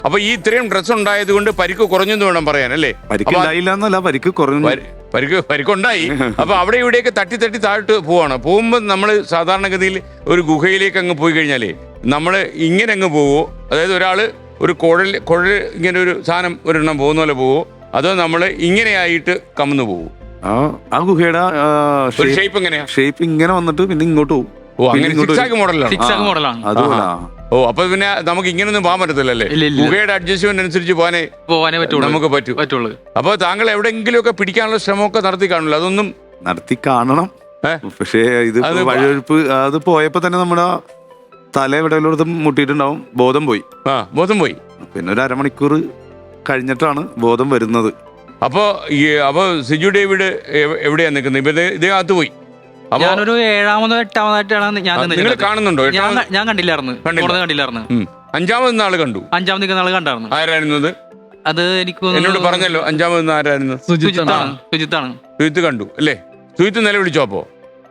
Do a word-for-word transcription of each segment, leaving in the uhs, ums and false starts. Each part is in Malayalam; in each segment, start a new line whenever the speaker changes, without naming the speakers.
അപ്പൊ ഈ ഇത്രയും ഡ്രസ് ഉണ്ടായത് കൊണ്ട് പരിക്ക് കുറഞ്ഞെന്ന് വേണം പറയാൻ അല്ലേ?
പരിക്ക് കുറഞ്ഞു,
പരിക്ക് പരിക്കുണ്ടായി. അപ്പൊ അവിടെ ഇവിടെയൊക്കെ തട്ടി തട്ടി താഴ്ത്ത് പോവാണ്. പോകുമ്പോൾ നമ്മൾ സാധാരണഗതിയിൽ ഒരു ഗുഹയിലേക്ക് അങ്ങ് പോയി കഴിഞ്ഞാലേ നമ്മൾ ഇങ്ങനെ അങ്ങ് പോവോ, അതായത് ഒരാള് ഒരു കുഴൽ കുഴൽ ഇങ്ങനെ ഒരു സാധനം ഒരെണ്ണം പോകുന്ന പോലെ പോവോ, അതോ നമ്മൾ ഇങ്ങനെയായിട്ട് കമന്നു പോവോ?
ആ ഗുഹയുടെ
ഷേപ്പ് എങ്ങനെയാ?
ഷേപ്പ് ഇങ്ങനെ വന്നിട്ട് പിന്നെ ഇങ്ങോട്ട് പോകും.
ഓ, അങ്ങനെ സിക്സാക്ക് മോഡലാണ്. ഓ, അപ്പൊ പിന്നെ നമുക്ക് ഇങ്ങനൊന്നും പോകാൻ പറ്റത്തില്ലല്ലേ? ഗുഹയുടെ അഡ്ജസ്റ്റ്മെന്റ് അനുസരിച്ച് പോകാനേ പോകാനേ പറ്റുള്ളൂ, നമുക്ക് പറ്റുള്ളൂ. അപ്പൊ താങ്കൾ എവിടെയെങ്കിലും ഒക്കെ പിടിക്കാനുള്ള ശ്രമമൊക്കെ നടത്തി കാണില്ല? അതൊന്നും
നടത്തി കാണണം. പക്ഷേ ഇത് വഴിയൊഴുപ്പ് അത് പോയപ്പോ തന്നെ നമ്മുടെ തല എവിടെയുള്ളടത്തും മുട്ടിയിട്ടുണ്ടാവും, ബോധം പോയി.
ആ, ബോധം പോയി. പിന്നെ
ഒരു അരമണിക്കൂർ കഴിഞ്ഞിട്ടാണ് ബോധം വരുന്നത്.
അപ്പൊ ഈ അപ്പൊ സിജു ഡേവിഡ് എവിടെയാ നിൽക്കുന്നത്? ഇപ്പൊ ഇതിനകത്ത് പോയി.
ഞാനൊരു ഏഴാമതോ എട്ടാമതായിട്ടാണ് ഞാൻ.
നിങ്ങൾ കാണുന്നുണ്ടോ?
ഞാൻ കണ്ടില്ലായിരുന്നു, കണ്ടില്ലായിരുന്നു.
അഞ്ചാമത് നാള് കണ്ടു.
അഞ്ചാമത് നിൽക്കുന്ന ആള് കണ്ടായിരുന്നു.
ആരായിരുന്നത്?
അത് എനിക്ക്
എന്നോട് പറഞ്ഞല്ലോ. അഞ്ചാമത് ആരായിരുന്നു?
സുജിത്താണ്. സുജിത്താണ്.
സുജിത്ത് കണ്ടു അല്ലേ? സുജിത്ത് നില വിളിച്ചോ? അപ്പോ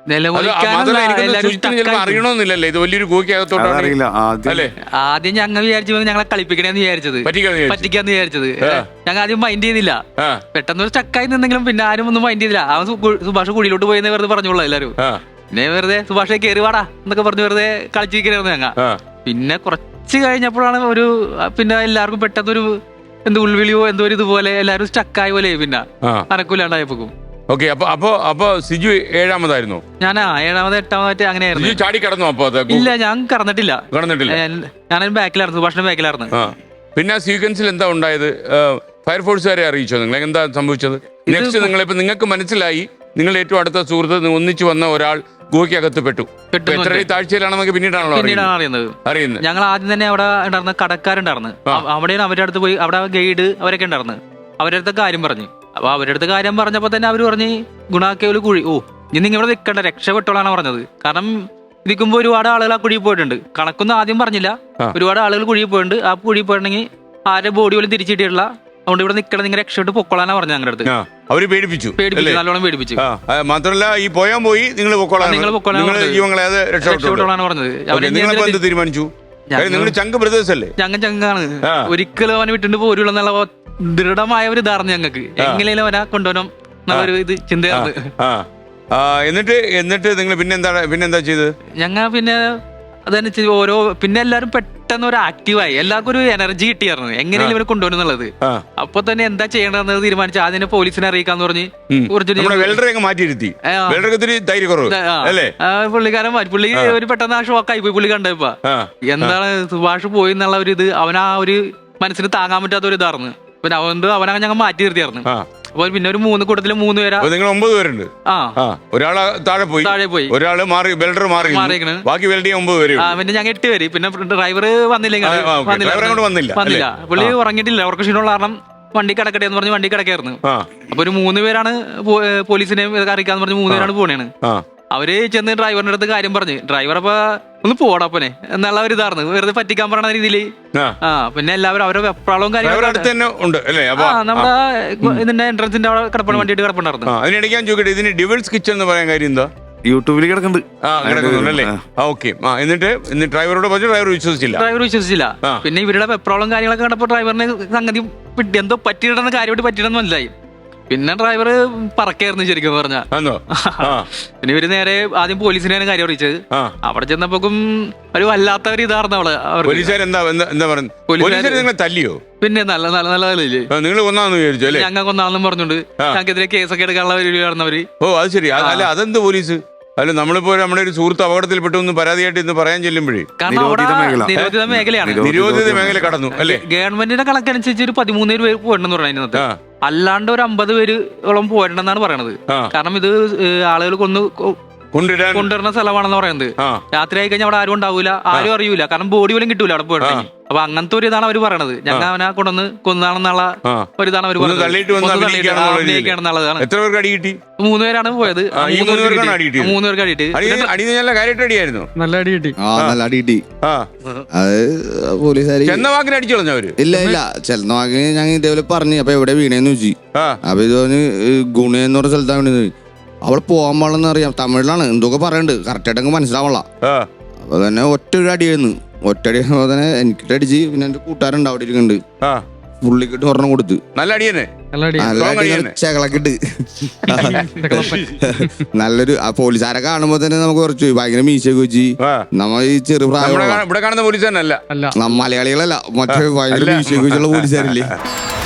അറിയണമെന്നില്ലല്ലേ, ഇത് വലിയൊരു ഗുഹയ്ക്കകത്തോട്ടാണ് അല്ലേ?
ആദ്യം ഞങ്ങൾ വിചാരിച്ചു ഞങ്ങളെ കളിപ്പിക്കണേന്ന് വിചാരിച്ചത്, പറ്റിക്കാന്ന് വിചാരിച്ചത്. ഞങ്ങൾ ആദ്യം മൈൻഡ് ചെയ്തില്ല. പെട്ടെന്ന് ഒരു സ്റ്റക്കായി നിന്നെങ്കിലും പിന്നെ ആരും ഒന്നും മൈൻഡ് ചെയ്തില്ല. അവൻ സുഭാഷ് കുഴിയിലോട്ട് പോയെന്ന് വെറുതെ പറഞ്ഞോളൂ എല്ലാരും. പിന്നെ വെറുതെ സുഭാഷെ കയറി വാടാ എന്നൊക്കെ പറഞ്ഞ് വെറുതെ കളിച്ചിരിക്കണായിരുന്നു ഞങ്ങൾ. പിന്നെ കുറച്ച് കഴിഞ്ഞപ്പോഴാണ് ഒരു പിന്നെ എല്ലാവർക്കും പെട്ടെന്നൊരു എന്ത് ഉൾവിളിയോ എന്തോ ഒരു ഇതുപോലെ എല്ലാരും സ്റ്റക്കായ പോലെ പിന്നെ അനക്കൂലാണ്ടായപ്പോക്കും.
ഓക്കെ, അപ്പൊ അപ്പൊ അപ്പൊ സിജു ഏഴാമതായിരുന്നു.
ഞാനാ ഏഴാമത് എട്ടാമതായിട്ട് അങ്ങനെയായിരുന്നു.
ചാടി കടന്നു? അപ്പൊ
ഇല്ല, ഞാൻ കടന്നിട്ടില്ല.
കടന്നിട്ടില്ല.
ഞാനൊരു ബാക്കിലായിരുന്നു, സുഭാഷിന്റെ ബാക്കിലായിരുന്നു.
പിന്നെ ആ സീക്വൻസിൽ എന്താ ഉണ്ടായത്? ഫയർഫോഴ്സുകാരെ അറിയിച്ചോ നിങ്ങൾ? എന്താ സംഭവിച്ചത്? നെക്സ്റ്റ് നിങ്ങളിപ്പോ നിങ്ങൾക്ക് മനസ്സിലായി നിങ്ങൾ ഏറ്റവും അടുത്ത സുഹൃത്ത് ഒന്നിച്ചു വന്ന ഒരാൾ ഗുഹയ്ക്കകത്ത് പെട്ടു. എത്ര താഴ്ചയിലാണെന്നൊക്കെ പിന്നീടാണല്ലോ
അറിയുന്നത്. അറിയുന്നത് ഞങ്ങൾ ആദ്യം തന്നെ അവിടെ ഉണ്ടായിരുന്ന കടക്കാരുണ്ടായിരുന്നു. അവിടെയാണ് അവരുടെ അടുത്ത് പോയി, അവിടെ ഗൈഡ് അവരൊക്കെ ഉണ്ടായിരുന്നു. അവരുടെ അടുത്ത കാര്യം പറഞ്ഞു. അപ്പൊ അവരുടെ അടുത്ത് കാര്യം പറഞ്ഞപ്പോ തന്നെ അവര് പറഞ്ഞ് ഗുണാക്കേവല് കുഴി, ഓ ഇനി നിങ്ങൾ ഇവിടെ നിൽക്കണ്ട, രക്ഷപ്പെട്ടോളാണ് പറഞ്ഞത്. കാരണം ഇരിക്കുമ്പോ ഒരുപാട് ആളുകൾ ആ കുഴിയിൽ പോയിട്ടുണ്ട്. കണക്കൊന്നും ആദ്യം പറഞ്ഞില്ല, ഒരുപാട് ആളുകൾ കുഴിയിൽ പോയിട്ടുണ്ട്. ആ കുഴിയിൽ പോയിട്ടുണ്ടെങ്കിൽ ആരുടെ ബോഡി പോലും തിരിച്ചിട്ടില്ല. അതുകൊണ്ട് ഇവിടെ നിൽക്കണം, നിങ്ങൾ രക്ഷപ്പെട്ട് പൊക്കോളാനാ പറഞ്ഞു ഞങ്ങളുടെ അടുത്ത്.
അവര് പേടിപ്പിച്ചു
പേടിപ്പിച്ചു നല്ലോണം പേടിപ്പിച്ചു.
മാത്രമല്ല ഈ പോയാൻ പോയി നിങ്ങൾ
രക്ഷപ്പെട്ടോളാണ് പറഞ്ഞത്.
തീരുമാനിച്ചു നിങ്ങൾ ചങ്ക് ബ്രദേഴ്സ് അല്ലേ?
ഞങ്ങൾ ചങ്കാണ്. ഒരിക്കലും അവനെ വിട്ടിട്ട് പോരുള്ള എന്നുള്ള ദൃഢമായ ഒരു ധാരണ ഞങ്ങൾക്ക്. എങ്ങനെയും അവനെ കൊണ്ടുപോകണം എന്നുള്ളൊരു ഇത് ചിന്തയായിരുന്നു.
എന്നിട്ട് എന്നിട്ട് നിങ്ങൾ പിന്നെന്താ പിന്നെന്താ ചെയ്തത്?
ഞങ്ങൾ പിന്നെ അതനുസരിച്ച് ഓരോ പിന്നെ എല്ലാരും പെട്ടെന്ന് ഒരു ആക്റ്റീവായി, എല്ലാവർക്കും ഒരു എനർജി കിട്ടിയായിരുന്നു എങ്ങനെയും ഇവരെ കൊണ്ടുപോകുന്നുള്ളത്. അപ്പൊ തന്നെ എന്താ ചെയ്യണമെന്ന് തീരുമാനിച്ചു. ആദ്യം പോലീസിനെ അറിയിക്കാന്ന് പറഞ്ഞ് പുള്ളിക്കാരൻ മാറ്റി. പുള്ളി ഒരു പെട്ടെന്ന് ആ ഷോക്കായി പോയി. പുള്ളി കണ്ടപ്പോ എന്താണ് സുഭാഷ് പോയി എന്നുള്ള ഒരു ഇത് അവനാ ഒരു മനസ്സിന് താങ്ങാൻ പറ്റാത്ത ഒരു ഇതായിരുന്നു. പിന്നെ അതുകൊണ്ട് അവനെ ഞങ്ങൾ മാറ്റി നിർത്തിയായിരുന്നു. അപ്പൊ പിന്നെ ഒരു മൂന്ന് കൂട്ടത്തില് മൂന്ന് പേരാ.
നിങ്ങൾ ഒമ്പത് പേരുണ്ട്. ഒരാള് താഴെ പോയി താഴെ പോയി ഒരാള് മാറി വെൽഡർ മാറി മാറിയിരിക്കണ്. ബാക്കി വെൽഡ് ചെയ്യാൻ ഒമ്പത് പേര്.
പിന്നെ ഞങ്ങൾ എട്ട് പേര്. പിന്നെ ഡ്രൈവർ വന്നില്ലെങ്കിൽ വന്നില്ല വന്നില്ല പുള്ളി ഉറങ്ങിയിട്ടില്ല. ഉറക്ക ക്ഷീണമുള്ള കാരണം വണ്ടി കിടക്കട്ടെ എന്ന് പറഞ്ഞ് വണ്ടി കിടക്കായിരുന്നു. അപ്പൊ ഒരു മൂന്ന് പേരാണ് പോലീസിനെ അറിയിക്കാന്ന് പറഞ്ഞ് മൂന്ന് പേരാണ് പോണേണ്. അവര് ചെന്ന് ഡ്രൈവറിന്റെ അടുത്ത് കാര്യം പറഞ്ഞ് ഡ്രൈവർ അപ്പൊ ഒന്ന് പോടാപ്പനെ എന്നുള്ള ഒരു ഇതായിരുന്നു, വെറുതെ പറ്റിക്കാൻ പറയണ രീതിയില്. ആ പിന്നെ എല്ലാവരും അവരുടെ വെപ്രാളവും കാര്യങ്ങളും നമ്മുടെ ഇതിന്റെ എൻട്രൻസിന്റെ അവിടെ കിടപ്പണ വണ്ടിയിട്ട് കിടപ്പുണ്ടായിരുന്നു.
അതിനിടയ്ക്ക് ഞാൻ ചോദിക്കട്ടെ, ഇതിന് ഡിവിൾസ് കിച്ചൺ എന്ന് പറയാൻ കാര്യം എന്താ?
യൂട്യൂബിൽ കിടക്കുന്നുണ്ട്.
ഓക്കെ, എന്നിട്ട് ഡ്രൈവറോട് പറഞ്ഞു, ഡ്രൈവർ വിശ്വസിച്ചില്ല.
ഡ്രൈവർ വിശ്വസിച്ചില്ല. പിന്നെ ഇവരുടെ വെപ്രാളവും കാര്യങ്ങളൊക്കെ കണ്ടപ്പോ ഡ്രൈവറിന് സംഗതി എന്തോ പറ്റിയിടന്ന കാര്യമായിട്ട് പറ്റിയിടെന്ന് മനസ്സിലായി. പിന്നെ ഡ്രൈവർ പറക്കായിരുന്നു ശരിക്കും പറഞ്ഞാ. പിന്നെ ഇവര് നേരെ ആദ്യം പോലീസിനെയാണ് കാര്യം അറിയിച്ചത്. അവിടെ ചെന്നപ്പോക്കും ഒരു വല്ലാത്ത ഒരു ഇതായിരുന്നു അവള്.
തല്ലിയോ?
പിന്നെ നല്ല നല്ല നല്ലതല്ലേ
നിങ്ങൾ കൊന്നാന്ന് വിചാരിച്ചു അല്ലേ?
ഞങ്ങൾ കൊന്നാണെന്നും പറഞ്ഞോണ്ട് ഞങ്ങൾക്കെതിരെ കേസൊക്കെ എടുക്കാനുള്ള പരിപാടിയായിരുന്നവര്.
ഓ അത് ശരി. അല്ല അതെന്ത് പോലീസ്? അല്ല നമ്മളിപ്പോ നമ്മുടെ ഒരു സുഹൃത്ത് അപകടത്തിൽപ്പെട്ടു എന്ന് പരാതിയായിട്ട് ഇന്ന് പറയാൻ ചെല്ലുമ്പോഴേ
നിരോധിത മേഖലയാണ്.
നിരോധിത മേഖല കടന്നു അല്ലേ?
ഗവൺമെന്റിന്റെ കണക്കനുസരിച്ച് ഒരു പതിമൂന്ന് പേര് പോയിട്ടുണ്ടെന്ന് പറയുന്നത്. അല്ലാണ്ട് ഒരു അമ്പത് പേരോളം പോയിട്ടുണ്ടെന്നാണ് പറയണത്. കാരണം ഇത് ആളുകൾ കൊന്ന്
കൊണ്ടുവരാൻ
കൊണ്ടുവരുന്ന സ്ഥലമാണെന്ന് പറയുന്നത്. രാത്രി ആയി കഴിഞ്ഞാൽ അവിടെ ആരും ഉണ്ടാവൂല, ആരും അറിയൂല. കാരണം ബോഡി പോലും കിട്ടൂല അവിടെ പോയിട്ടുണ്ടെങ്കിൽ. അപ്പൊ അങ്ങനത്തെ ഒരു ഇതാണ് അവര് പറയണത്. ഞങ്ങൾ അവനെ കൊണ്ടുവന്ന് കൊന്നാണെന്നുള്ള ഒരു ഇതാണ് അവര് പറഞ്ഞത്.
എത്ര പേർക്ക് അടി കിട്ടി?
മൂന്ന് പേരാണ് പോയത്. മൂന്ന് പേർക്ക് അടിയിട്ട്
നല്ല അടി കിട്ടി. നല്ല അടി കിട്ടി. അത് പോലീസുകാർ
ചെന്നവാക്കിന് അടിച്ചു കളഞ്ഞവര്.
ഇല്ല ഇല്ല ചെന്ന വാക്കിന് ഞങ്ങൾ ഇതേപോലെ പറഞ്ഞു. അപ്പൊ എവിടെ വീണേന്ന് വെച്ചു. അപ്പൊ ഇത് പറഞ്ഞ് ഗുണയെന്ന് പറഞ്ഞ സ്ഥലത്താണ് വീണത്. അവളെ പോകാൻ പാടില്ലെന്ന് അറിയാം. തമിഴിലാണ് എന്തൊക്കെ പറയണ്ട്, കറക്റ്റ് ആയിട്ട് മനസ്സിലാവള്ള. അപ്പൊ തന്നെ ഒറ്റ ഒരു അടിയായിരുന്നു. ഒറ്റടി തന്നെ എനിക്കിട്ട് അടിച്ച്. പിന്നെ എന്റെ കൂട്ടുകാരുണ്ട് അവിടെ ഇരിക്കുന്നുണ്ട്,
ആ
പുള്ളിക്കിട്ട് ഒരെണ്ണം കൊടുത്ത്.
നല്ല അടിയന്നെ.
നല്ല അടി.
നല്ല
സ്ട്രോങ്
അടി
അടിയന്നെ.
ചെകളക്കിട്ട് നല്ലൊരു ആ പോലീസുകാരെ കാണുമ്പോ തന്നെ നമുക്ക് കുറച്ച് ഭയങ്കര മീശയൊക്കെ വെച്ച്
ആ.
നമ്മ ഈ ചെറു
നമ്മുടെ
പ്രായം
കാ- ഇവിടെ കാണുന്ന പോലീസ് തന്നെ അല്ല
അല്ല
മലയാളികളല്ല മറ്റേ ഭയങ്കര മീശയൊക്കെ വെച്ചുള്ള പോലീസുകാരില്ലേ